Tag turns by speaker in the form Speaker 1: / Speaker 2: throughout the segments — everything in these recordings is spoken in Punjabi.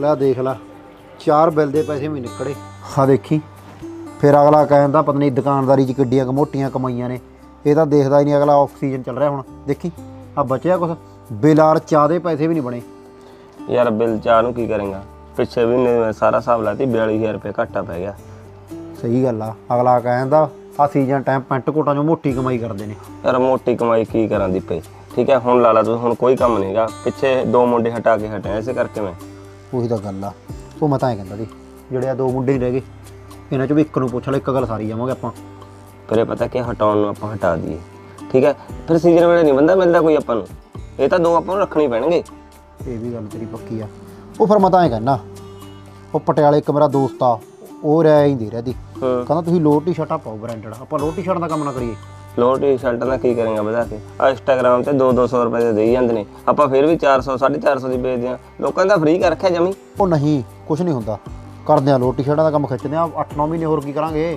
Speaker 1: ਲੈ ਦੇਖ ਲਾ 4 ਬਿੱਲ ਦੇ ਪੈਸੇ ਵੀ ਨਿਕਲੇ। ਹਾਂ ਦੇਖੀ ਫਿਰ ਅਗਲਾ ਕਹਿੰਦਾ ਪਤਾ ਨਹੀਂ ਦੁਕਾਨਦਾਰੀ 'ਚ ਕਿੱਡੀਆਂ ਮੋਟੀਆਂ ਕਮਾਈਆਂ ਨੇ। ਇਹ ਤਾਂ ਦੇਖਦਾ ਹੀ ਨਹੀਂ ਅਗਲਾ। ਆਕਸੀਜਨ ਚੱਲ ਰਿਹਾ ਹੁਣ ਦੇਖੀ ਆ ਬਚਿਆ ਕੁਛ। ਬਿਲਾਰ ਚਾਹ ਦੇ ਪੈਸੇ ਵੀ ਨਹੀਂ ਬਣੇ
Speaker 2: ਯਾਰ। ਬਿੱਲ ਚਾਹ ਨੂੰ ਕੀ ਕਰੇਗਾ? ਪਿੱਛੇ ਵੀ ਨੇ ਸਾਰਾ ਹਿਸਾਬ ਲਾਤੀ 42000 ਰੁਪਏ ਘਾਟਾ ਪੈ ਗਿਆ।
Speaker 1: ਸਹੀ ਗੱਲ ਆ। ਅਗਲਾ ਕਹਿੰਦਾ ਆ ਸੀਜ਼ਨ ਟਾਈਮ ਪੈਂਟ ਕੋਟਾਂ 'ਚੋਂ ਮੋਟੀ ਕਮਾਈ ਕਰਦੇ ਨੇ।
Speaker 2: ਯਾਰ ਮੋਟੀ ਕਮਾਈ ਕੀ ਕਰਾਂ ਦੀਪੇ? ਠੀਕ ਹੈ ਹੁਣ ਲਾ ਲਾ ਤੂੰ, ਹੁਣ ਕੋਈ ਕੰਮ ਨਹੀਂਗਾ। ਪਿੱਛੇ 2 ਮੁੰਡੇ ਹਟਾ ਕੇ ਹਟਿਆ ਇਸੇ ਕਰਕੇ ਮੈਂ।
Speaker 1: ਉਹੀ ਤਾਂ ਗੱਲ ਆ। ਉਹ ਮੈਂ ਤਾਂ ਐਂ ਕਹਿੰਦਾ ਸੀ ਜਿਹੜੇ ਆ 2 ਮੁੰਡੇ ਹੀ ਰਹਿ ਗਏ ਇਹਨਾਂ 'ਚੋਂ ਵੀ ਇੱਕ ਨੂੰ ਪੁੱਛ ਲੈ, ਇੱਕ ਗੱਲ ਸਾਰੀ ਜਾਵਾਂਗੇ ਆਪਾਂ।
Speaker 2: ਫਿਰ ਇਹ ਪਤਾ ਕਿ ਹਟਾਉਣ ਨੂੰ ਆਪਾਂ ਹਟਾ ਦਈਏ। ਠੀਕ ਹੈ ਫਿਰ ਸੀਜ਼ਨ ਵੇਲੇ ਨਹੀਂ ਬੰਦਾ ਮਿਲਦਾ ਕੋਈ ਆਪਾਂ ਨੂੰ। ਇਹ ਤਾਂ 2 ਆਪਾਂ ਨੂੰ ਰੱਖਣੇ ਪੈਣਗੇ।
Speaker 1: ਇਹ ਵੀ ਗੱਲ ਤੇਰੀ ਪੱਕੀ ਆ। ਉਹ ਫਿਰ ਮੈਂ ਤਾਂ ਐਂ ਕਹਿੰਦਾ ਉਹ ਪਟਿਆਲੇ ਇੱਕ ਮੇਰਾ ਦੋਸਤ ਆ, ਉਹ ਰਹਿ ਹੀ ਦੇ ਰਿਹਾ ਦੀ। ਕਹਿੰਦਾ ਤੁਸੀਂ ਲੋਅਰ ਟੀ-ਸ਼ਰਟਾਂ ਪਾਓ ਬ੍ਰਾਂਡਡ। ਆਪਾਂ ਲੋਅਰ ਟੀ-ਸ਼ਰਟ ਦਾ ਕੰਮ ਨਾ ਕਰੀਏ।
Speaker 2: ਲੋਅਰ ਟੀ-ਸ਼ਰਟ ਦਾ ਕੀ ਕਰੇਗਾ ਵਧਾ ਕੇ? ਆ ਇੰਸਟਾਗ੍ਰਾਮ ਤੇ 200-200 ਰੁਪਏ ਦੇ ਦੇਈ ਜਾਂਦੇ ਨੇ। ਆਪਾਂ ਫਿਰ ਵੀ 400 450 ਦੀ ਵੇਚਦੇ ਆ। ਲੋਕਾਂ ਦਾ ਫ੍ਰੀ ਕਰ ਰੱਖਿਆ ਜਮੀ।
Speaker 1: ਉਹ ਨਹੀਂ ਕੁਛ ਨਹੀਂ ਹੁੰਦਾ। ਕਰਦੇ ਆ ਲੋਅਰ ਟੀ-ਸ਼ਰਟਾਂ ਦਾ ਕੰਮ ਖਿੱਚਦੇ ਆ 8-9 ਮਹੀਨੇ ਹੋਰ ਕੀ ਕਰਾਂਗੇ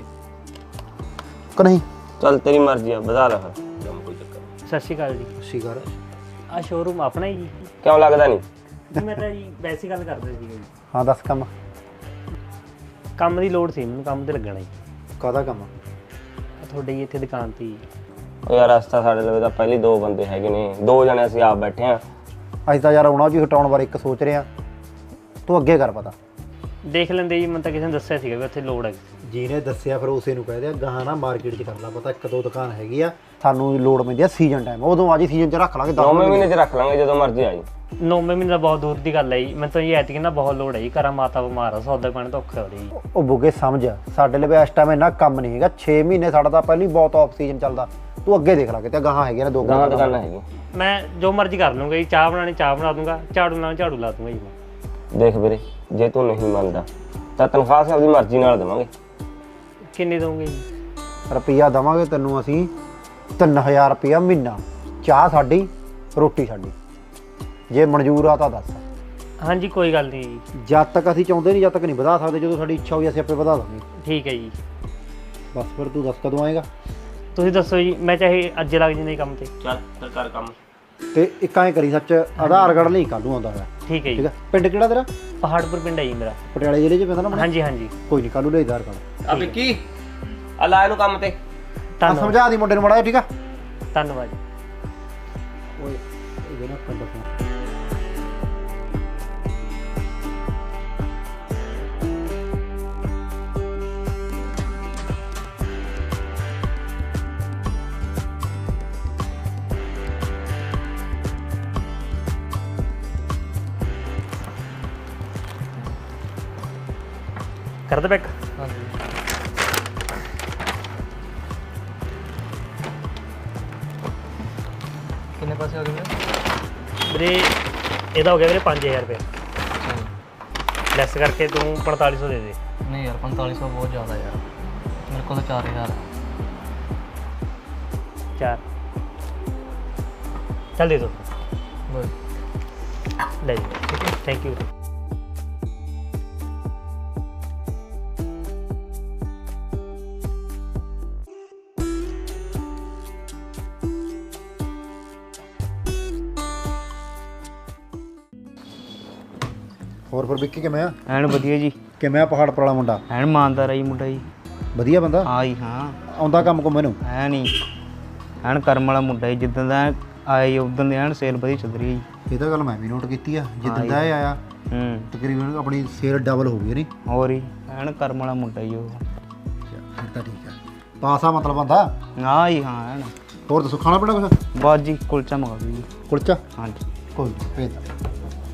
Speaker 1: ਕਿ ਨਹੀਂ?
Speaker 2: ਚੱਲ ਤੇਰੀ ਮਰਜ਼ੀ ਆ ਵਧਾ ਲੈ ਫਿਰ। ਕੋਈ ਚੱਕਰ ਨਹੀਂ।
Speaker 3: ਸਤਿ ਸ਼੍ਰੀ ਅਕਾਲ ਜੀ।
Speaker 1: ਸ਼ੀਗਰ
Speaker 3: ਆ ਸ਼ੋਰੂਮ ਆਪਣਾ ਹੀ ਜੀ?
Speaker 2: ਕਿਉਂ ਲੱਗਦਾ ਨਹੀਂ?
Speaker 3: ਮੈਂ ਤਾਂ ਜੀ ਵੈਸੇ ਗੱਲ ਕਰਦਾ ਸੀਗਾ ਜੀ।
Speaker 1: ਹਾਂ ਦੱਸ ਕੰਮ
Speaker 3: ਕੰਮ ਦੀ ਲੋੜ ਸੀ ਮੈਨੂੰ, ਕੰਮ ਤੇ ਲੱਗਣਾ ਜੀ।
Speaker 1: ਕਾਹਦਾ ਕੰਮ?
Speaker 3: ਤੁਹਾਡੇ ਜੀ ਇੱਥੇ ਦੁਕਾਨ ਤੇ ਜੀ।
Speaker 2: ਉਹ ਯਾਰ ਰਸਤਾ ਸਾਡੇ ਲਵੇ ਤਾਂ ਪਹਿਲੀ 2 ਬੰਦੇ ਹੈਗੇ ਨੇ। 2 ਜਣੇ ਅਸੀਂ ਆਪ ਬੈਠੇ ਆ।
Speaker 1: ਅਸੀਂ ਤਾਂ ਯਾਰ ਆਉਣਾ ਜੀ ਹਟਾਉਣ ਬਾਰੇ ਇੱਕ ਸੋਚ ਰਹੇ ਆ। ਤੂੰ ਅੱਗੇ ਕਰ ਪਤਾ।
Speaker 3: ਦੇਖ ਲੈਂਦੇ ਜੀ, ਮੈਨੂੰ ਤਾਂ ਕਿਸੇ ਨੇ ਦੱਸਿਆ ਸੀਗਾ ਵੀ ਉੱਥੇ ਲੋੜ ਹੈ।
Speaker 1: ਜਿਹਨੇ ਦੱਸਿਆ ਫਿਰ ਉਸੇ ਨੂੰ ਕਹਿ ਦਿਆ ਗਾਹਾਂ ਨਾ ਮਾਰਕੀਟ 'ਚ ਕਰ ਲਾ ਪਤਾ। 1-2 ਦੁਕਾਨ ਹੈਗੀ ਆ ਸਾਨੂੰ ਲੋੜ ਪੈਂਦੀ ਆ ਸੀਜ਼ਨ ਟਾਈਮ। ਉਦੋਂ ਆ ਜੀ ਸੀਜ਼ਨ 'ਚ ਰੱਖ ਲਾਂਗੇ 10
Speaker 2: ਮਹੀਨੇ 'ਚ ਰੱਖ ਲਾਂਗੇ ਜਦੋਂ ਮਰਜ਼ੀ ਆ ਜੀ।
Speaker 3: 9 ਮਹੀਨੇ ਦਾ ਬਹੁਤ ਦੂਰ ਦੀ ਗੱਲ ਹੈ ਜੀ। ਮੈਨੂੰ ਤਾਂ ਜੀ ਐਤਕੀ ਨਾ ਬਹੁਤ ਲੋੜ ਹੈ ਜੀ। ਘਰਾਂ ਮਾਤਾ ਬਿਮਾਰ ਆ, ਸੌਦਾ ਪਾਣੀ ਤਾਂ ਔਖਾ ਹੋ ਰਿਹਾ ਜੀ।
Speaker 1: ਉਹ ਬੁੱਗੇ ਸਮਝ ਸਾਡੇ ਲਈ ਇਸ ਟਾਈਮ ਇੰਨਾ ਕੰਮ ਨਹੀਂ ਹੈਗਾ। 6 ਮਹੀਨੇ ਸਾਡਾ ਤਾਂ ਪਹਿਲੀ ਬਹੁਤ ਆਫ ਸੀਜ਼ਨ ਚੱਲਦਾ। ਤੂੰ ਅੱਗੇ ਦੇਖ ਲਾ ਕਿਤੇ ਗਾਹਾਂ ਹੈਗੀਆਂ ਨੇ 2
Speaker 2: ਦੁਕਾਨਾਂ ਹੈਗੀਆਂ।
Speaker 3: ਮੈਂ ਜੋ ਮਰਜ਼ੀ ਕਰ ਲੂੰਗਾ ਜੀ। ਚਾਹ ਬਣਾਉਣੀ ਚਾਹ ਬਣਾ ਦੂੰਗਾ, ਝਾੜੂ ਲਾਉਣਾ ਝਾੜੂ ਲਾ ਦੂੰਗਾ ਜੀ ਮੈਂ।
Speaker 2: ਦੇਖ ਵੀਰੇ ਜੇ ਤੂੰ ਨਹੀਂ ਮੰਨਦਾ ਤਾਂ ਤਨਖਾਹ ਆਪਣੀ ਮਰਜ਼ੀ ਨਾਲ ਦੇਵਾਂਗੇ।
Speaker 3: ਕਿੰਨੀ ਦਊਂਗੇ ਜੀ?
Speaker 1: ਰੁਪਈਆ ਦੇਵਾਂਗੇ ਤੈਨੂੰ ਅਸੀਂ 3000 ਰੁਪਈਆ ਮਹੀਨਾ। ਚਾਹ ਸਾਡੀ, ਰੋਟੀ ਸਾਡੀ। ਜੇ ਮਨਜ਼ੂਰ ਆ ਤਾਂ ਦੱਸ।
Speaker 3: ਹਾਂਜੀ ਕੋਈ ਗੱਲ ਨਹੀਂ ਜੀ।
Speaker 1: ਜਦ ਤੱਕ ਅਸੀਂ ਚਾਹੁੰਦੇ ਨਹੀਂ ਜਦ ਤੱਕ ਨਹੀਂ ਵਧਾ ਸਕਦੇ। ਜਦੋਂ ਸਾਡੀ ਇੱਛਾ ਹੋਈ ਅਸੀਂ ਆਪੇ ਵਧਾ ਦਾਂਗੇ।
Speaker 3: ਠੀਕ ਹੈ ਜੀ।
Speaker 1: ਬਸ ਫਿਰ ਤੂੰ ਦੱਸ ਕਦੋਂ ਆਏਗਾ?
Speaker 3: ਤੁਸੀਂ ਦੱਸੋ ਜੀ। ਮੈਂ ਚਾਹੇ ਅੱਜ ਲੱਗ ਜਾਂਦੇ ਕੰਮ ਤੇ।
Speaker 2: ਚੱਲ ਫਿਰ ਕਰ ਕੰਮ।
Speaker 1: ਤੇ ਇੱਕ ਐਂ ਕਰੀ ਸੱਚ ਆਧਾਰ ਕਾਰਡ ਲਈ ਕੱਲ੍ਹ ਨੂੰ ਆਉਂਦਾ ਹੋਇਆ।
Speaker 3: ਠੀਕ ਹੈ
Speaker 1: ਠੀਕ
Speaker 3: ਜੀ।
Speaker 1: ਹੈ। ਪਿੰਡ ਕਿਹੜਾ ਤੇਰਾ?
Speaker 3: ਪਹਾੜਪੁਰ ਪਿੰਡ ਹੈ ਜੀ ਮੇਰਾ।
Speaker 1: ਪਟਿਆਲੇ ਜ਼ਿਲ੍ਹੇ 'ਚ ਪੈਂਦਾ ਨਾ?
Speaker 3: ਹਾਂਜੀ ਹਾਂਜੀ
Speaker 1: ਕੋਈ ਨਹੀਂ ਕੱਲ੍ਹ ਨੂੰ ਲੈ ਆਧਾਰ ਕਾਰਡ।
Speaker 2: ਆ ਵਿੱਕੀ ਆ ਲਾ ਇਹਨੂੰ ਕੰਮ ਤੇ।
Speaker 1: ਆ ਸਮਝਾ ਦੀ ਮੁੰਡੇ ਨੂੰ ਮਾੜਾ ਜਿਹਾ। ਠੀਕ ਆ
Speaker 3: ਧੰਨਵਾਦ ਜੀ।
Speaker 1: ਓਏ ਇਹਦੇ ਨਾਲ ਪਿੰਡ ਤੋਂ
Speaker 3: ਕਰ ਦੇ ਬੈਕ।
Speaker 4: ਕਿੰਨੇ ਪੈਸੇ ਹੋ ਗਏ
Speaker 3: ਵੀਰੇ ਇਹਦਾ ਹੋ ਗਿਆ ਵੀਰੇ 5000 ਰੁਪਏ। ਲੈਸ ਕਰਕੇ ਤੂੰ 4500 ਦੇ ਦੇ।
Speaker 4: ਨਹੀਂ ਯਾਰ 4500 ਬਹੁਤ ਜ਼ਿਆਦਾ ਯਾਰ। ਮੇਰੇ ਕੋਲ ਤਾਂ 4000
Speaker 3: 4 ਚੱਲ ਦੇ ਦੋ।
Speaker 4: ਬਸ
Speaker 3: ਲੈ ਜੀ। ਠੀਕ ਹੈ ਥੈਂਕ ਯੂ।
Speaker 1: ਹੋਰ ਫਿਰ ਵਿੱਕੀ ਕਿਵੇਂ ਆ?
Speaker 4: ਐਨ ਵਧੀਆ ਜੀ।
Speaker 1: ਕਿਵੇਂ ਆ ਪਹਾੜਪੁਰ ਵਾਲਾ ਮੁੰਡਾ?
Speaker 4: ਐਨ ਇਮਾਨਦਾਰ ਆ ਜੀ ਮੁੰਡਾ ਜੀ।
Speaker 1: ਵਧੀਆ ਬੰਦਾ?
Speaker 4: ਹਾਂ ਜੀ ਹਾਂ।
Speaker 1: ਆਉਂਦਾ ਕੰਮ ਕੋ ਮੈਨੂੰ?
Speaker 4: ਐ ਨਹੀਂ ਐਨ ਕਰਮ ਵਾਲਾ ਮੁੰਡਾ ਜੀ। ਜਿੱਦਾਂ ਦਾ ਆਏ ਉਦੋਂ ਦੀ ਐਨ ਸੇਲ ਵਧੀਆ ਚੱਲ ਰਹੀ ਹੈ ਜੀ।
Speaker 1: ਇਹ ਤਾਂ ਗੱਲ ਮੈਂ ਵੀ ਨੋਟ ਕੀਤੀ ਆ। ਜਿੱਦਾਂ ਦਾ ਇਹ ਆਇਆ ਤਕਰੀਬਨ ਆਪਣੀ ਸੇਲ ਡਬਲ ਹੋ ਗਈ ਨਹੀਂ?
Speaker 4: ਹੋਰ ਜੀ ਐਨ ਕਰਮ ਵਾਲਾ ਮੁੰਡਾ ਜੀ ਉਹ।
Speaker 1: ਫਿਰ ਤਾਂ ਠੀਕ ਆ। ਪਾਸਾ ਮਤਲਬ ਬੰਦਾ?
Speaker 4: ਹਾਂ ਜੀ ਹਾਂ ਐਨ।
Speaker 1: ਹੋਰ ਦੱਸੋ ਖਾਣਾ ਪੀਣਾ ਕੁਛ?
Speaker 4: ਬਸ ਜੀ ਕੁਲਚਾ ਮੰਗਾ ਦਿਓ ਜੀ।
Speaker 1: ਕੁਲਚਾ?
Speaker 4: ਹਾਂਜੀ
Speaker 1: ਕੋਈ ਨਹੀਂ ਭੇਜ ਦਾਂ।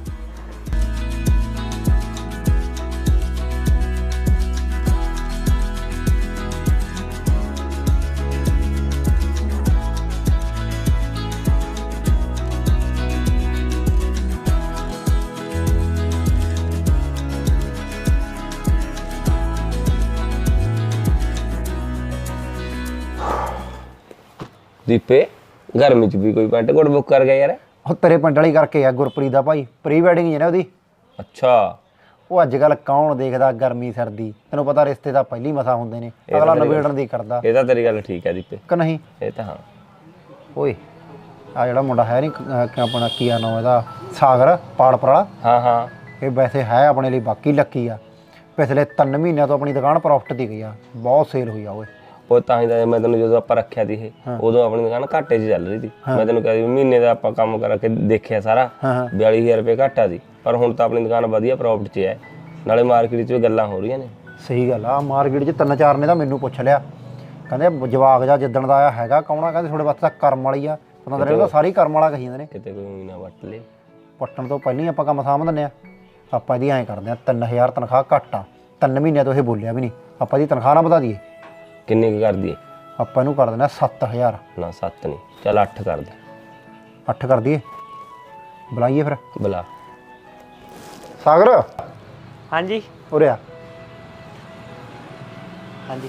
Speaker 2: ਦੀਪੇ ਗਰਮੀ 'ਚ ਵੀ ਕੋਈ ਪੈਂਟ ਕੋਟ ਬੁੱਕ ਕਰ ਗਿਆ ਯਾਰ?
Speaker 1: ਉਹ ਤੇਰੇ ਪਿੰਡ ਵਾਲੀ ਕਰਕੇ ਆ ਗੁਰਪ੍ਰੀਤ ਦਾ ਭਾਈ। ਪ੍ਰੀ ਵੈਡਿੰਗ ਹੀ ਹੈ ਨਾ ਉਹਦੀ।
Speaker 2: ਅੱਛਾ।
Speaker 1: ਉਹ ਅੱਜ ਕੱਲ੍ਹ ਕੌਣ ਦੇਖਦਾ ਗਰਮੀ ਸਰਦੀ? ਤੈਨੂੰ ਪਤਾ ਰਿਸ਼ਤੇ ਤਾਂ ਪਹਿਲੀ ਮਸਾ ਹੁੰਦੇ ਨੇ। ਅਗਲਾ ਨਵੇੜਨ ਦੀ ਕਰਦਾ।
Speaker 2: ਇਹ ਤਾਂ ਤੇਰੀ ਗੱਲ ਠੀਕ ਹੈ ਦੀਪੇ।
Speaker 1: ਕਿ ਨਹੀਂ?
Speaker 2: ਇਹ ਤਾਂ ਹਾਂ।
Speaker 1: ਓਏ ਆ ਜਿਹੜਾ ਮੁੰਡਾ ਹੈ ਨਹੀਂ ਆਪਣਾ ਕੀ ਆ ਨਾਮ ਇਹਦਾ? ਸਾਗਰ ਪਾੜਪੁਰ ਵਾਲਾ।
Speaker 2: ਹਾਂ ਹਾਂ।
Speaker 1: ਇਹ ਵੈਸੇ ਹੈ ਆਪਣੇ ਲਈ ਬਾਕੀ ਲੱਕੀ ਆ। ਪਿਛਲੇ 3 ਮਹੀਨਿਆਂ ਤੋਂ ਆਪਣੀ ਦੁਕਾਨ ਪ੍ਰੋਫਿਟ ਦੀ ਗਈ ਆ, ਬਹੁਤ ਸੇਲ ਹੋਈ ਆ ਓਏ।
Speaker 2: ਉਹ ਤਾਂ ਹੀ ਤਾਂ ਮੈਂ ਤੈਨੂੰ ਜਦੋਂ ਆਪਾਂ ਰੱਖਿਆ ਸੀ ਇਹ ਉਦੋਂ ਆਪਣੀ ਦੁਕਾਨ ਘਾਟੇ 'ਚ ਚੱਲ ਰਹੀ ਸੀ। ਮੈਂ ਤੈਨੂੰ ਕਿਹਾ ਸੀ ਮਹੀਨੇ ਦਾ ਆਪਾਂ ਕੰਮ ਕਰਕੇ ਦੇਖਿਆ ਸਾਰਾ 42000 ਰੁਪਏ ਘਾਟਾ ਸੀ, ਪਰ ਹੁਣ ਤਾਂ ਆਪਣੀ ਦੁਕਾਨ ਵਧੀਆ ਪ੍ਰੋਫਿਟ 'ਚ ਹੈ, ਨਾਲੇ ਮਾਰਕੀਟ 'ਚ ਵੀ ਗੱਲਾਂ ਹੋ ਰਹੀਆਂ ਨੇ।
Speaker 1: ਸਹੀ ਗੱਲ ਆ, ਮਾਰਕੀਟ 'ਚ 3-4 ਨੇ ਤਾਂ ਮੈਨੂੰ ਪੁੱਛ ਲਿਆ, ਕਹਿੰਦੇ ਜਵਾਕ ਜਾ ਜਿੱਦਣ ਦਾ ਆਇਆ ਹੈਗਾ ਕੌਣਾ, ਕਹਿੰਦੇ ਤੁਹਾਡੇ ਵਾਸਤੇ ਤਾਂ ਕਰਮ ਵਾਲੀ ਆ। ਪਤਾ ਤਾਂ ਉਹਦਾ ਸਾਰੀ ਕਰਮ ਵਾਲਾ ਕਹੀ ਜਾਂਦੇ ਨੇ।
Speaker 2: ਕਿਤੇ ਕੋਈ ਨਾ ਵੱਟ ਲੇ,
Speaker 1: ਪੱਟਣ ਤੋਂ ਪਹਿਲਾਂ ਹੀ ਆਪਾਂ ਕੰਮ ਸਾਂਭ ਦਿੰਦੇ ਆ। ਆਪਾਂ ਇਹਦੀ ਐਂ ਕਰਦੇ ਆ 3000 ਤਨਖਾਹ ਘੱਟ ਆ, 3 ਮਹੀਨਿਆਂ ਤੋਂ ਇਹ ਬੋਲਿਆ ਵੀ ਨਹੀਂ। ਆਪਾਂ ਇਹਦੀ ਤਨਖਾਹ ਨਾ ਵਧਾ ਦਈਏ।
Speaker 2: ਕਿੰਨੀ ਕੁ ਕਰ ਦਈਏ?
Speaker 1: ਆਪਾਂ ਇਹਨੂੰ ਕਰ ਦਿੰਦੇ ਆ 7000।
Speaker 2: ਨਾ 7 ਨਹੀਂ, ਚੱਲ 8 ਕਰ ਦੇ।
Speaker 1: 8 ਕਰ ਦਈਏ, ਬੁਲਾਈਏ ਫਿਰ।
Speaker 2: ਬੁਲਾ।
Speaker 1: ਸਾਗਰ
Speaker 3: ਹਾਂਜੀ
Speaker 1: ਉਰੇ ਆ।
Speaker 3: ਹਾਂਜੀ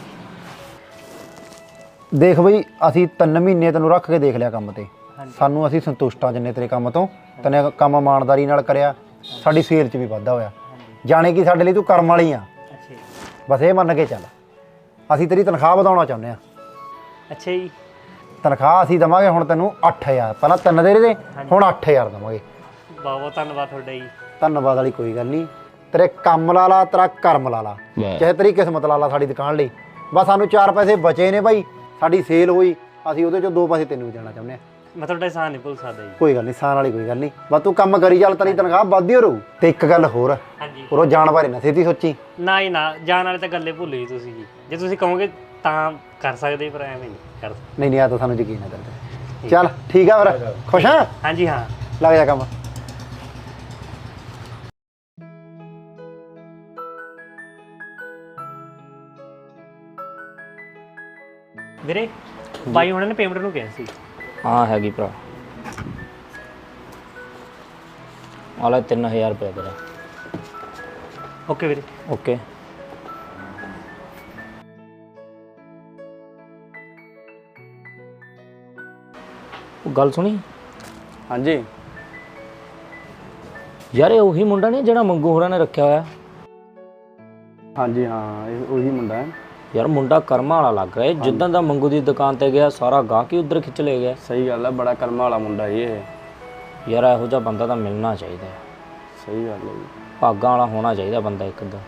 Speaker 1: ਦੇਖ ਬਈ, ਅਸੀਂ 3 ਮਹੀਨੇ ਤੈਨੂੰ ਰੱਖ ਕੇ ਦੇਖ ਲਿਆ ਕੰਮ ਤੇ, ਸਾਨੂੰ ਅਸੀਂ ਸੰਤੁਸ਼ਟ ਆ ਜਿੰਨੇ ਤੇਰੇ ਕੰਮ ਤੋਂ। ਤੈਨੇ ਕੰਮ ਇਮਾਨਦਾਰੀ ਨਾਲ ਕਰਿਆ, ਸਾਡੀ ਸੇਲ 'ਚ ਵੀ ਵਾਧਾ ਹੋਇਆ। ਜਾਣੇ ਕਿ ਸਾਡੇ ਲਈ ਤੂੰ ਕਰਮ ਵਾਲੀ ਆ।
Speaker 3: ਅੱਛਾ ਜੀ।
Speaker 1: ਬਸ ਇਹ ਮੰਨ ਕੇ ਚੱਲ, ਅਸੀਂ ਤੇਰੀ ਤਨਖਾਹ ਵਧਾਉਣਾ ਚਾਹੁੰਦੇ ਆ।
Speaker 3: ਅੱਛਾ ਜੀ।
Speaker 1: ਤਨਖਾਹ ਅਸੀਂ ਦੇਵਾਂਗੇ ਹੁਣ ਤੈਨੂੰ 8000। ਪਹਿਲਾਂ 3 ਦੇ ਰਹੇ, ਹੁਣ 8000 ਦੇਵਾਂਗੇ।
Speaker 3: ਬਹੁਤ ਬਹੁਤ ਧੰਨਵਾਦ ਤੁਹਾਡਾ ਜੀ।
Speaker 1: ਧੰਨਵਾਦ ਵਾਲੀ ਕੋਈ ਗੱਲ ਨਹੀਂ, ਤੇਰੇ ਕੰਮ ਲਾ ਲਾ, ਤੇਰਾ ਕਰਮ ਲਾ ਲਾ, ਚਾਹੇ ਤੇਰੀ ਕਿਸਮਤ ਲਾ ਲਾ ਸਾਡੀ ਦੁਕਾਨ ਲਈ। ਬਸ ਸਾਨੂੰ 4 ਪੈਸੇ ਬਚੇ ਨੇ ਭਾਈ, ਸਾਡੀ ਸੇਲ ਹੋਈ, ਅਸੀਂ ਉਹਦੇ 'ਚੋਂ 2 ਪੈਸੇ ਤੈਨੂੰ ਵੀ ਦੇਣਾ ਚਾਹੁੰਦੇ ਆ।
Speaker 3: ਮੈਂ ਤੁਹਾਡਾ ਇਹਸਾਨ ਨਹੀਂ ਭੁੱਲ ਸਕਦਾ ਜੀ।
Speaker 1: ਕੋਈ ਗੱਲ ਨਹੀਂ, ਸਾਨ ਵਾਲੀ ਕੋਈ ਗੱਲ ਨਹੀਂ, ਬਸ ਤੂੰ ਕੰਮ ਕਰੀ ਚੱਲ, ਤੇਰੀ ਤਨਖਾਹ ਵੱਧਦੀ ਰਹੂ। ਤੇ ਇੱਕ ਗੱਲ ਹੋਰ,
Speaker 3: ਹਾਂਜੀ।
Speaker 1: ਉਹ ਜਾਣ ਬਾਰੇ ਨਾ ਛੇਤੀ ਸੋਚੀ।
Speaker 3: ਨਾ ਹੀ ਨਾ, ਜਾਣ ਵਾਲੇ ਤਾਂ ਗੱਲੇ ਭੁੱਲ ਜੀ ਤੁਸੀਂ ਜੀ। ਜੇ ਤੁਸੀਂ ਕਹੋਗੇ ਤਾਂ ਕਰ ਸਕਦੇ, ਪਰ ਐਵੇਂ ਨਹੀਂ ਕਰ ਸਕਦੇ।
Speaker 1: ਨਹੀਂ ਆ ਤਾਂ ਸਾਨੂੰ ਯਕੀਨ ਹੈ ਤੇਰੇ ਤੇ। ਚੱਲ ਠੀਕ ਆ ਫਿਰ, ਖੁਸ਼ ਹਾਂ?
Speaker 3: ਹਾਂਜੀ ਹਾਂ।
Speaker 1: ਲੱਗ ਜਾ ਕੰਮ।
Speaker 3: ਵੀਰੇ ਬਾਈ ਉਹਨਾਂ ਨੇ ਪੇਮੈਂਟ ਨੂੰ ਕਿਹਾ ਸੀ।
Speaker 5: ਹਾਂ ਹੈਗੀ ਭਰਾ, ਆਲਾ 3000 ਰੁਪਏ ਤੇਰਾ।
Speaker 3: ਓਕੇ ਵੀਰੇ।
Speaker 5: ਓਕੇ। ਉਹ ਗੱਲ ਸੁਣੀ
Speaker 6: ਹਾਂਜੀ
Speaker 5: ਯਾਰ, ਇਹ ਉਹੀ ਮੁੰਡਾ ਨਹੀਂ ਜਿਹੜਾ ਮੰਗੂ ਹੋਰਾਂ ਨੇ ਰੱਖਿਆ ਹੋਇਆ?
Speaker 6: ਹਾਂਜੀ ਹਾਂ, ਇਹ ਉਹੀ ਮੁੰਡਾ ਹੈ।
Speaker 5: ਯਾਰ ਮੁੰਡਾ ਕਰਮਾਂ ਵਾਲਾ ਲੱਗ ਰਿਹਾ। ਜਿੱਦਾਂ ਦਾ ਮੰਗੂ ਦੀ ਦੁਕਾਨ ਤੇ ਗਿਆ, ਸਾਰਾ ਗਾਹਕ ਹੀ ਉਧਰ ਖਿੱਚ ਲੈ ਗਿਆ।
Speaker 6: ਸਹੀ ਗੱਲ ਹੈ, ਬੜਾ ਕਰਮਾਂ ਵਾਲਾ ਮੁੰਡਾ ਇਹ।
Speaker 5: ਯਾਰ ਇਹੋ ਜਿਹਾ ਬੰਦਾ ਤਾਂ ਮਿਲਣਾ ਚਾਹੀਦਾ ਹੈ।
Speaker 6: ਸਹੀ ਗੱਲ ਹੈ ਜੀ,
Speaker 5: ਭਾਗਾਂ ਵਾਲਾ ਹੋਣਾ ਚਾਹੀਦਾ ਬੰਦਾ ਇੱਕ ਦਾ।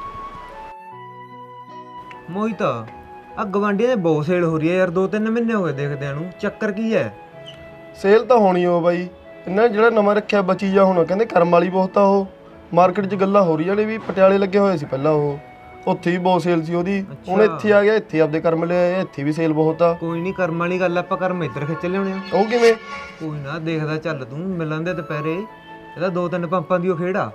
Speaker 4: ਮੋਹਿਤ, ਆ ਗਵਾਂਢੀਆਂ ਦੇ ਬਹੁਤ ਸੇਲ ਹੋ ਰਹੀ ਹੈ ਯਾਰ, 2-3 ਮਹੀਨੇ ਹੋ ਗਏ ਦੇਖਦਿਆਂ ਨੂੰ। ਚੱਕਰ ਕੀ ਹੈ?
Speaker 7: ਸੇਲ ਤਾਂ ਹੋਣੀ ਓ ਬਾਈ, ਇਹਨਾਂ ਜਿਹੜਾ ਨਵਾਂ ਰੱਖਿਆ ਬਚੀ ਜਾ, ਹੁਣ ਕਹਿੰਦੇ ਕਰਮ ਵਾਲੀ ਬਹੁਤ ਆ। ਉਹ ਮਾਰਕੀਟ 'ਚ ਗੱਲਾਂ ਹੋ ਰਹੀਆਂ ਨੇ ਵੀ ਪਟਿਆਲੇ ਲੱਗੇ ਹੋਏ ਸੀ ਪਹਿਲਾਂ, ਉਹ ਉੱਥੇ ਵੀ ਬਹੁਤ ਸੇਲ ਸੀ ਉਹਦੀ। ਹੁਣ ਇੱਥੇ ਆ ਗਿਆ, ਇੱਥੇ ਆਪਦੇ ਕਰਮ ਲਿਆ, ਇੱਥੇ ਵੀ ਸੇਲ ਬਹੁਤ ਆ।
Speaker 4: ਕੋਈ ਨਹੀਂ, ਕਰਮ ਵਾਲੀ ਗੱਲ, ਆਪਾਂ ਕਰਮ ਇੱਧਰ ਖਿੱਚ ਲਿਆਉਣੇ ਆ।
Speaker 7: ਉਹ ਕਿਵੇਂ?
Speaker 4: ਕੋਈ ਨਾ, ਦੇਖਦਾ ਚੱਲ ਤੂੰ, ਮਿਲਣ ਦੇ ਦੁਪਹਿਰੇ। ਇਹਦਾ 2-3 ਪੰਪਾਂ ਦੀ ਉਹ ਖੇੜਾ।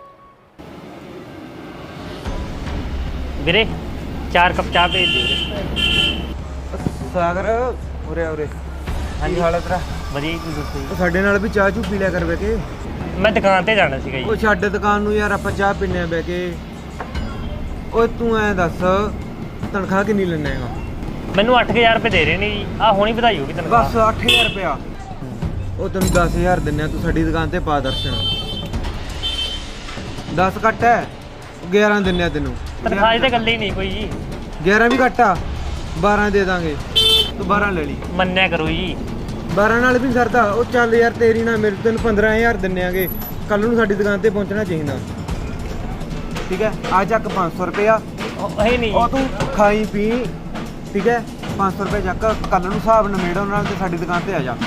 Speaker 3: ਵੀਰੇ 4 ਕੱਪ ਚਾਹ ਭੇਜ ਦਿਓ ਵੀਰੇ।
Speaker 4: ਸਾਗਰ ਉਰੇ ਉਰੇ। ਹਾਂਜੀ ਹਾਲ ਹੈ ਤੇਰਾ?
Speaker 3: ਵਧੀਆ ਜੀ, ਤੁਸੀਂ ਦੱਸੋ ਜੀ।
Speaker 4: ਉਹ ਸਾਡੇ ਨਾਲ ਵੀ ਚਾਹ ਚੂ ਪੀ ਲਿਆ ਕਰ ਬੈ ਕੇ।
Speaker 3: ਮੈਂ ਦੁਕਾਨ ਤੇ ਜਾਣਾ ਸੀਗਾ
Speaker 4: ਉਹ
Speaker 3: ਜੀ।
Speaker 4: ਛੱਡ ਦੁਕਾਨ ਨੂੰ ਯਾਰ, ਆਪਾਂ ਚਾਹ ਪੀਨੇ ਆ ਬੈ ਕੇ। ਓਏ ਤੂੰ ਐਂ ਦੱਸ, ਤਨਖਾਹ ਕਿੰਨੀ ਲੈਣਾ ਹੈਗਾ?
Speaker 3: ਮੈਨੂੰ 8000 ਰੁਪਏ ਦੇ ਰਹੇ ਨੇ ਜੀ। ਆ ਹੁਣੀ ਵਧਾਈ ਹੋਗੀ ਤਨਖਾਹ।
Speaker 4: ਬਸ 8000 ਰੁਪਇਆ। ਉਹ ਤੈਨੂੰ 10000 ਦਿੰਨੇ ਆ, ਤੂੰ ਸਾਡੀ ਦੁਕਾਨ ਤੇ ਪਾ ਦਰਸ਼ਨ। 10 ਘੱਟ ਹੈ, 11 ਦਿੰਨੇ ਆ ਤੈਨੂੰ।
Speaker 3: ਤਨਖਾਹ ਦੀ ਤਾਂ ਗੱਲ ਹੀ ਨਹੀਂ ਕੋਈ ਜੀ।
Speaker 4: 11 ਵੀ ਘੱਟ ਆ, 12 ਦੇ ਦਾਂਗੇ। ਤੂੰ 12 ਲੈ ਲਈ।
Speaker 3: ਮੰਨਿਆ ਕਰੋ ਜੀ।
Speaker 4: 12 ਨਾਲ ਵੀ ਸਰਦਾ। ਉਹ ਚੱਲ ਯਾਰ, ਤੇਰੀ ਨਾ ਮੇਰੇ ਤੈਨੂੰ 15000 ਦਿੰਨੇ ਆਗੇ। ਕੱਲ ਨੂੰ ਸਾਡੀ ਦੁਕਾਨ ਤੇ ਪਹੁੰਚਣਾ ਚਾਹੀਦਾ, ਠੀਕ ਹੈ? ਆ ਚੱਕ 500 ਰੁਪਇਆ।
Speaker 3: ਉਹ ਇਹ ਨਹੀਂ
Speaker 4: ਉਹ ਤੂੰ ਖਾਈ ਪੀ, ਠੀਕ ਹੈ? 500 ਰੁਪਏ ਚੱਕ, ਕੱਲ ਨੂੰ ਹਿਸਾਬ ਨਮੇੜੋ ਨਾਲ ਤੇ ਸਾਡੀ ਦੁਕਾਨ ਤੇ ਆ ਜਾ।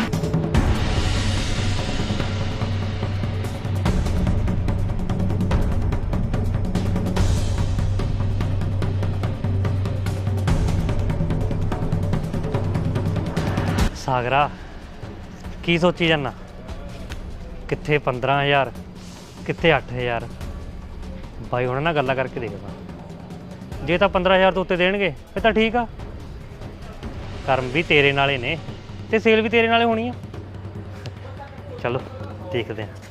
Speaker 3: ਸਾਗਰਾ, ਕੀ ਸੋਚੀ ਜਾਂਦਾ? ਕਿੱਥੇ 15000, ਕਿੱਥੇ 8000। ਬਾਈ ਉਹਨਾਂ ਨਾਲ ਗੱਲਾਂ ਕਰਕੇ ਦੇਖਦਾ। ਜੇ ਤਾਂ 15000 ਤੋਂ ਉੱਤੇ ਦੇਣਗੇ ਫਿਰ ਤਾਂ ਠੀਕ ਆ। ਕਰਮ ਵੀ ਤੇਰੇ ਨਾਲੇ ਨੇ ਤੇ ਸੇਲ ਵੀ ਤੇਰੇ ਨਾਲੇ ਹੋਣੀ ਆ। ਚਲੋ ਦੇਖਦੇ ਹਾਂ।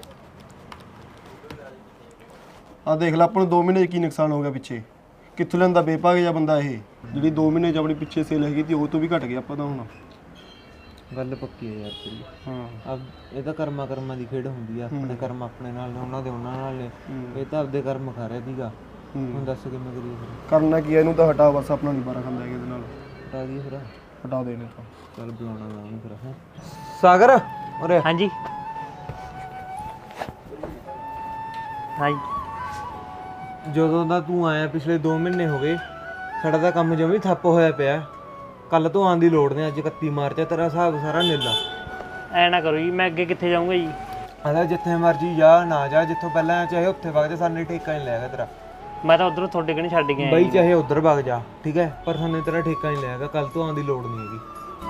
Speaker 7: ਆ ਦੇਖ ਲੈ, ਆਪਾਂ ਨੂੰ 2 ਮਹੀਨੇ 'ਚ ਕੀ ਨੁਕਸਾਨ ਹੋ ਗਿਆ ਪਿੱਛੇ। ਕਿੱਥੋਂ ਲੈਂਦਾ ਬੇਭਾਗ ਜਿਹਾ ਬੰਦਾ ਇਹ, ਜਿਹੜੀ 2 ਮਹੀਨੇ 'ਚ ਆਪਣੀ ਪਿੱਛੇ ਸੇਲ ਹੈਗੀ ਤੀ ਉਹ ਤੋਂ ਵੀ ਘਟ ਗਿਆ ਆਪਾਂ ਤਾਂ ਹੁਣ।
Speaker 4: ਗੱਲ ਪੱਕੀ ਹੈ ਯਾਰ ਤੇਰੀ।
Speaker 7: ਹਾਂ,
Speaker 4: ਇਹ ਤਾਂ ਕਰਮਾਂ ਦੀ ਖੇਡ ਹੁੰਦੀ ਆ। ਆਪਣੇ ਕਰਮ ਆਪਣੇ ਨਾਲ ਨੇ, ਉਹਨਾਂ ਦੇ ਉਹਨਾਂ ਨਾਲ ਨੇ। ਇਹ ਤਾਂ ਆਪਦੇ ਕਰਮ ਖਾ ਰਿਹਾ ਸੀਗਾ। ਹੁਣ ਦੱਸ ਕਿਵੇਂ ਕਰੀਏ ਫਿਰ?
Speaker 7: ਕਰਨਾ ਕੀ, ਇਹਨੂੰ ਤਾਂ ਹਟਾ, ਬਸ ਆਪਣਾ ਨਹੀਂ ਬਾਰਾ ਖਾਂਦਾ ਹੈਗਾ ਇਹਦੇ ਨਾਲ।
Speaker 4: ਹਟਾ ਦਈਏ ਫਿਰ?
Speaker 7: ਹਟਾ ਦੇਣੇ ਤਾਂ।
Speaker 4: ਚੱਲ ਬੁਲਾਉਣਾ ਮੈਂ ਉਹਨੂੰ ਫਿਰ। ਹੈਂ ਸਾਗਰ ਉਰੇ।
Speaker 3: ਹਾਂਜੀ ਹਾਂਜੀ
Speaker 4: ਜਦੋਂ ਦਾ ਤੂੰ ਆਇਆ ਪਿਛਲੇ 2 ਮਹੀਨੇ ਹੋ ਗਏ ਸਾਡਾ ਤਾਂ ਕੰਮ ਜਮੀ ਠੱਪ ਹੋਇਆ ਪਿਆ। ਕੱਲ ਤੋਂ ਆਉਣ ਦੀ ਲੋੜ ਨਹੀਂ, ਅੱਜ 31 ਮਾਰਚ ਹੈ, ਤੇਰਾ ਹਿਸਾਬ ਸਾਰਾ ਨੀਲਾ।
Speaker 3: ਐ ਨਾ ਕਰੋ ਜੀ, ਮੈਂ ਅੱਗੇ ਕਿੱਥੇ ਜਾਊਂਗਾ ਜੀ?
Speaker 4: ਆਦਾ ਜਿੱਥੇ ਮਰਜੀ ਜਾ ਨਾ ਜਾ, ਜਿੱਥੋਂ ਪਹਿਲਾਂ ਚਾਹੇ ਉੱਥੇ ਵਗ ਜਾ, ਸਾਨੂੰ ਠੇਕਾ ਨਹੀਂ ਲੈਗਾ ਤੇਰਾ।
Speaker 3: ਮੈਂ ਤਾਂ ਉਧਰੋਂ ਤੁਹਾਡੇ ਕਣੀ ਛੱਡ ਕੇ ਆਇਆ
Speaker 4: ਬਈ ਚਾਹੇ ਉੱਧਰ ਵਗ ਜਾ, ਠੀਕ ਹੈ, ਪਰ ਸਾਨੂੰ ਤੇਰਾ ਠੇਕਾ ਨਹੀਂ ਲੈਗਾ। ਕੱਲ ਤੋਂ ਆਉਣ ਦੀ ਲੋੜ ਨਹੀਂ ਹੈਗੀ।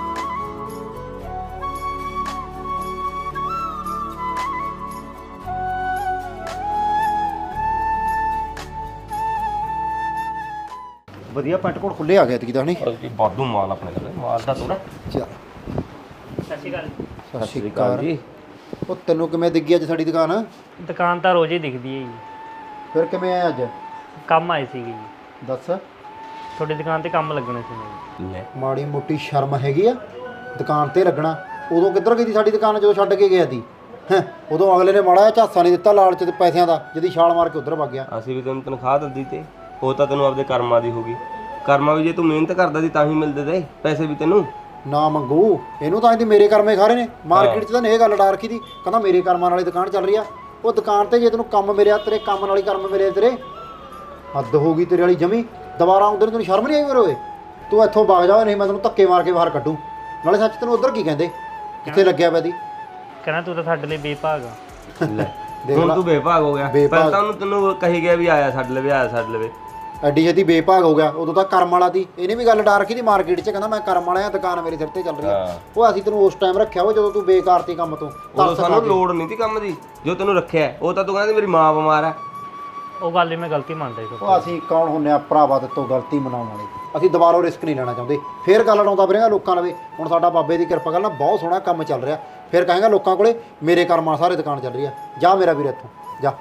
Speaker 1: ਵਧੀਆ ਪੈਂਟ ਕੋਟ ਖੁੱਲੇ ਆ ਗਏ ਤੀ ਤਾਂ ਨਹੀਂ
Speaker 2: ਵਾਧੂ ਮਾਲ ਆਪਣੇ ਕੋਲ, ਮਾਲ ਦਾ ਥੋੜਾ।
Speaker 1: ਚੱਲ
Speaker 3: ਸਤਿ ਸ਼੍ਰੀ ਅਕਾਲ।
Speaker 1: ਸਤਿ ਸ਼੍ਰੀ ਅਕਾਲ ਜੀ। ਉਹ ਤੈਨੂੰ ਕਿਵੇਂ ਦਿਖੀ ਅੱਜ ਸਾਡੀ ਦੁਕਾਨ?
Speaker 3: ਦੁਕਾਨ ਤਾਂ ਰੋਜ਼ ਹੀ ਦਿਖਦੀ ਹੈ ਜੀ।
Speaker 1: ਫਿਰ ਕਿਵੇਂ ਆਇਆ ਅੱਜ?
Speaker 3: ਕੰਮ ਆਏ ਸੀਗੇ ਜੀ,
Speaker 1: ਦੱਸ।
Speaker 3: ਤੁਹਾਡੀ ਦੁਕਾਨ ਤੇ ਕੰਮ ਲੱਗਣਾ ਸੀ ਮੈਨੂੰ।
Speaker 2: ਲੈ
Speaker 1: ਮਾੜੀ ਮੋਟੀ ਸ਼ਰਮ ਹੈਗੀ ਆ ਦੁਕਾਨ ਤੇ ਲੱਗਣਾ? ਉਦੋਂ ਕਿੱਧਰ ਗਈ ਤੀ ਸਾਡੀ ਦੁਕਾਨ ਜਦੋਂ ਛੱਡ ਕੇ ਗਿਆ ਤੀ? ਹੈਂ, ਉਦੋਂ ਅਗਲੇ ਨੇ ਮਾੜਾ ਜਿਹਾ ਝਾਸਾ ਨਹੀਂ ਦਿੱਤਾ ਲਾਲਚ ਤੇ ਪੈਸਿਆਂ ਦਾ, ਜਿਹਦੀ ਛਾਲ ਮਾਰ ਕੇ ਉੱਧਰ ਵਗ ਗਿਆ।
Speaker 2: ਅਸੀਂ ਵੀ ਤੈਨੂੰ ਤਨਖਾਹ ਦਿੰਦੀ ਤੇ ਉਹ ਤਾਂ ਤੈਨੂੰ ਆਪਦੇ ਕਰਮਾਂ ਦੀ ਹੋਗੀ। ਕਰਮਾਂ ਵੀ ਜੇ ਤੂੰ ਮਿਹਨਤ ਕਰਦਾ ਸੀ ਤਾਂ ਹੀ ਮਿਲਦੇ ਤੇ ਪੈਸੇ ਵੀ ਤੈਨੂੰ।
Speaker 1: ਨਾ ਮੰਗੂ, ਇਹਨੂੰ ਤਾਂ ਇਹਦੀ ਮੇਰੇ ਕਰਮੇ ਖਾ ਰਹੇ ਨੇ। ਮਾਰਕੀਟ 'ਚ ਤਾਂ ਇਹ ਗੱਲ ਡਾਰ ਰੱਖੀ ਦੀ, ਕਹਿੰਦਾ ਮੇਰੇ ਕਰਮਾਂ ਵਾਲੀ ਦੁਕਾਨ ਚੱਲ ਰਹੀ ਆ। ਉਹ ਦੁਕਾਨ ਤੇ ਜੇ ਤੈਨੂੰ ਕੰਮ ਮਿਲਿਆ, ਤੇਰੇ ਕੰਮ ਨਾਲ ਹੀ ਕਰਮ ਮਿਲੇ ਤੇਰੇ। ਹੱਦ ਹੋ ਗਈ ਤੇਰੇ ਵਾਲੀ ਜਮੀ। ਦੁਬਾਰਾ ਆਉਂਦੇ ਨੂੰ ਤੈਨੂੰ ਸ਼ਰਮ ਨਹੀਂ ਆਈ ਮੇਰੇ ਓਏ? ਤੂੰ ਇੱਥੋਂ ਵਗ ਜਾ, ਨਹੀਂ ਮੈਂ ਤੈਨੂੰ ਧੱਕੇ ਮਾਰ ਕੇ ਬਾਹਰ ਕੱਢੂ। ਨਾਲੇ ਸੱਚ ਤੈਨੂੰ ਉੱਧਰ ਕੀ ਕਹਿੰਦੇ ਜਿੱਥੇ ਲੱਗਿਆ ਪਿਆ ਦੀ?
Speaker 3: ਕਹਿੰਦਾ ਤੂੰ ਤਾਂ ਸਾਡੇ ਲਈ ਬੇਭਾਗ ਆ।
Speaker 2: ਲੈ ਹੁਣ ਤੂੰ ਬੇਭਾਗ ਹੋ ਗਿਆ। ਪਹਿਲਾਂ ਤਾਂ ਉਹਨੂੰ ਤੈਨੂੰ ਕਹੀ ਗਿਆ ਵੀ ਆਇਆ ਛੱਡ ਲਵੇ, ਆਇਆ ਛੱਡ ਲਵੇ।
Speaker 1: ਐਡੀ ਛੇਤੀ ਬੇਭਾਗ ਹੋ ਗਿਆ? ਉਦੋਂ ਤਾਂ ਕਰਮ ਵਾਲਾ ਦੀ। ਇਹਨੇ ਵੀ ਗੱਲ ਡਾਰ ਰੱਖੀ ਦੀ ਮਾਰਕੀਟ 'ਚ, ਕਹਿੰਦਾ ਮੈਂ ਕਰਮ ਵਾਲਾ ਆ, ਦੁਕਾਨ ਮੇਰੇ ਸਿਰ ਤੇ ਚੱਲ ਰਹੀ ਆ। ਉਹ ਅਸੀਂ ਤੈਨੂੰ ਉਸ ਟਾਈਮ ਰੱਖਿਆ ਵਾ ਜਦੋਂ ਤੂੰ ਬੇਕਾਰ ਤੀ ਕੰਮ ਤੋਂ।
Speaker 2: ਉਦੋਂ ਸਾਨੂੰ ਲੋੜ ਨਹੀਂ ਸੀ ਕੰਮ ਦੀ, ਜੋ ਤੈਨੂੰ ਰੱਖਿਆ। ਉਹ ਤਾਂ ਤੂੰ ਕਹਿੰਦੀ ਮੇਰੀ ਮਾਂ ਬਿਮਾਰ ਆ।
Speaker 3: ਉਹ ਗੱਲ ਹੀ ਮੈਂ ਗਲਤੀ ਮੰਨਦਾ ਜੀ।
Speaker 1: ਉਹ ਅਸੀਂ ਕੌਣ ਹੁੰਨੇ ਆ ਭਰਾਵਾ ਤੇ ਤੋਂ ਗਲਤੀ ਮਨਾਉਣ ਵਾਲੇ? ਅਸੀਂ ਦੁਬਾਰਾ ਰਿਸਕ ਨਹੀਂ ਲੈਣਾ ਚਾਹੁੰਦੇ। ਫੇਰ ਗੱਲ ਲਾਉਂਦਾ ਫਿਰੇਗਾ ਲੋਕਾਂ ਲਵੇ। ਹੁਣ ਸਾਡਾ ਬਾਬੇ ਦੀ ਕਿਰਪਾ ਨਾਲ ਬਹੁਤ ਸੋਹਣਾ ਕੰਮ ਚੱਲ ਰਿਹਾ, ਫਿਰ ਕਹਾਂਗਾ ਲੋਕਾਂ ਕੋਲੇ ਮੇਰੇ ਕਰਮਾਂ ਸਾਰੇ ਦੁਕਾਨ ਚੱਲ ਰਹੀ ਆ। ਜਾ ਮੇਰਾ ਵੀਰ ਇੱਥੋਂ ਜਾ।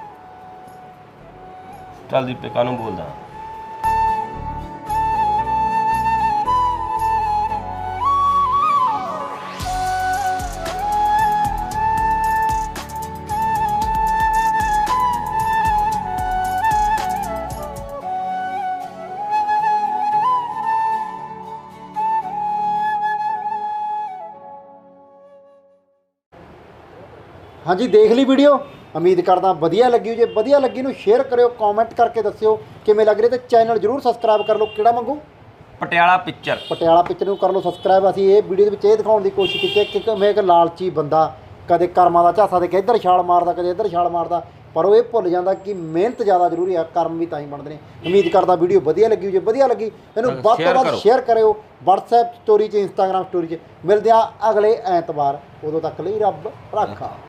Speaker 2: ਚੱਲ ਦੀਪੇ, ਕਾਹਨੂੰ ਬੋਲਦਾ?
Speaker 1: ਹਾਂਜੀ, ਦੇਖ ਲਈ ਵੀਡੀਓ? ਉਮੀਦ ਕਰਦਾ ਵਧੀਆ ਲੱਗੀ ਹੋ। ਜੇ ਵਧੀਆ ਲੱਗੀ ਨੂੰ ਸ਼ੇਅਰ ਕਰਿਓ, ਕਮੈਂਟ ਕਰਕੇ ਦੱਸਿਓ ਕਿਵੇਂ ਲੱਗ ਰਿਹਾ, ਤੇ ਚੈਨਲ ਜ਼ਰੂਰ ਸਬਸਕ੍ਰਾਈਬ ਕਰ ਲਓ। ਕਿਹੜਾ ਮੰਗੂ?
Speaker 2: ਪਟਿਆਲਾ ਪਿਕਚਰ।
Speaker 1: ਪਟਿਆਲਾ ਪਿਕਚਰ ਨੂੰ ਕਰ ਲਓ ਸਬਸਕ੍ਰਾਈਬ। ਅਸੀਂ ਇਹ ਵੀਡੀਓ ਦੇ ਵਿੱਚ ਇਹ ਦਿਖਾਉਣ ਦੀ ਕੋਸ਼ਿਸ਼ ਕੀਤੀ ਹੈ ਕਿ ਮੈਂ ਇੱਕ ਲਾਲਚੀ ਬੰਦਾ ਕਦੇ ਕਰਮਾਂ ਦਾ ਝਾਸਾ ਦੇ ਕੇ ਇੱਧਰ ਛਾਲ ਮਾਰਦਾ, ਕਦੇ ਇੱਧਰ ਛਾਲ ਮਾਰਦਾ, ਪਰ ਉਹ ਇਹ ਭੁੱਲ ਜਾਂਦਾ ਕਿ ਮਿਹਨਤ ਜ਼ਿਆਦਾ ਜ਼ਰੂਰੀ ਆ, ਕਰਮ ਵੀ ਤਾਂ ਹੀ ਬਣਦੇ ਨੇ। ਉਮੀਦ ਕਰਦਾ ਵੀਡੀਓ ਵਧੀਆ ਲੱਗੀ ਹੋ। ਜੇ ਵਧੀਆ ਲੱਗੀ ਇਹਨੂੰ ਵੱਧ ਤੋਂ ਵੱਧ ਸ਼ੇਅਰ ਕਰਿਓ, WhatsApp ਸਟੋਰੀ 'ਚ, Instagram ਸਟੋਰੀ 'ਚ। ਮਿਲਦੇ ਆ ਅਗਲੇ ਐਤਵਾਰ, ਉਦੋਂ ਤੱਕ ਲਈ ਰੱਬ ਰਾਖਾ।